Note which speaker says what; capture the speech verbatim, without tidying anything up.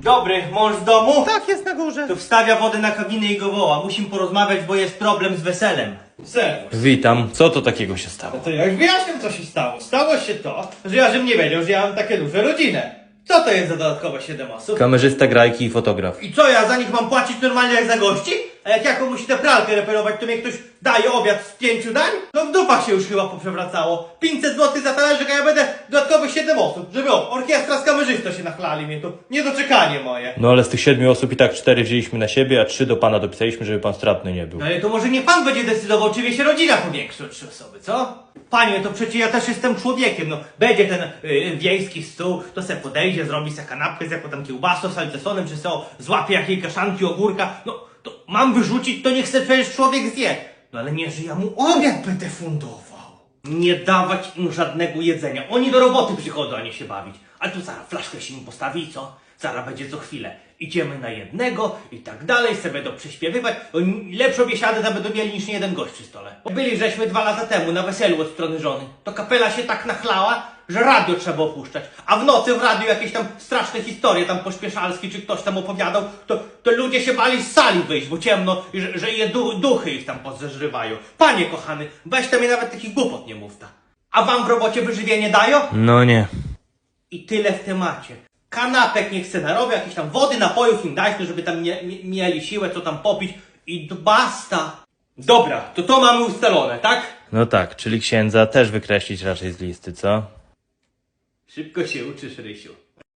Speaker 1: Dobry, mąż w domu?
Speaker 2: Tak, jest na górze.
Speaker 1: To wstawia wodę na kabinę i go woła. Musimy porozmawiać, bo jest problem z weselem.
Speaker 2: Serwus.
Speaker 3: Witam, co to takiego się stało?
Speaker 2: No to ja już wyjaśniam, co się stało. Stało się to, że ja żebym nie wiedział, że ja mam takie duże rodzinę. Co to jest za dodatkowe siedem osób?
Speaker 3: Kamerzysta, grajki i fotograf.
Speaker 1: I co, ja za nich mam płacić normalnie jak za gości? A jak ja komuś tę pralkę reperować, to mnie ktoś daje obiad z pięciu dań? No w dupach się już chyba poprzewracało. pięćset złotych za talerzyk, a ja będę dodatkowe siedem osób. Żeby o, orkiestra z kamerzystą się nachlali mnie, to niedoczekanie moje.
Speaker 3: No ale z tych siedmiu osób i tak cztery wzięliśmy na siebie, a trzy do pana dopisaliśmy, żeby pan stratny nie był.
Speaker 1: No ale to może nie pan będzie decydował, czy wie się rodzina powiększy o trzy osoby, co? Panie, to przecież ja też jestem człowiekiem, no. Będzie ten y, wiejski stół, to se podejdzie, zrobi se kanapkę z jakąś tam kiełbasą, salcesonem, czy se o, złapie jakiej kaszanki, ogórka. No, to mam wyrzucić, to niech se przecież człowiek zje. No ale nie, że ja mu obiad będę fundował. Nie dawać im żadnego jedzenia. Oni do roboty przychodzą, a nie się bawić. Ale tu zaraz flaszkę się im postawi i co? Zaraz będzie co chwilę. Idziemy na jednego i tak dalej, sobie będą prześpiewywać. Oni lepszą biesiadę tam będą mieli niż nie jeden gość przy stole. Byli żeśmy dwa lata temu na weselu od strony żony. To kapela się tak nachlała, że radio trzeba opuszczać. A w nocy w radiu jakieś tam straszne historie, tam Pośpieszalski czy ktoś tam opowiadał, to, to ludzie się bali z sali wyjść, bo ciemno, i że, że je du duchy ich tam pozeżrywają. Panie kochany, weź tam mi nawet takich głupot nie mów ta. A wam w robocie wyżywienie dają?
Speaker 3: No nie.
Speaker 1: I tyle w temacie. Kanapek niech se narobią, jakieś tam wody, napojów im dać, no żeby tam mie mie mieli siłę, co tam popić i d- basta. Dobra, to to mamy ustalone, tak?
Speaker 3: No tak, czyli księdza też wykreślić raczej z listy, co?
Speaker 1: Szybko się uczysz, Rysiu.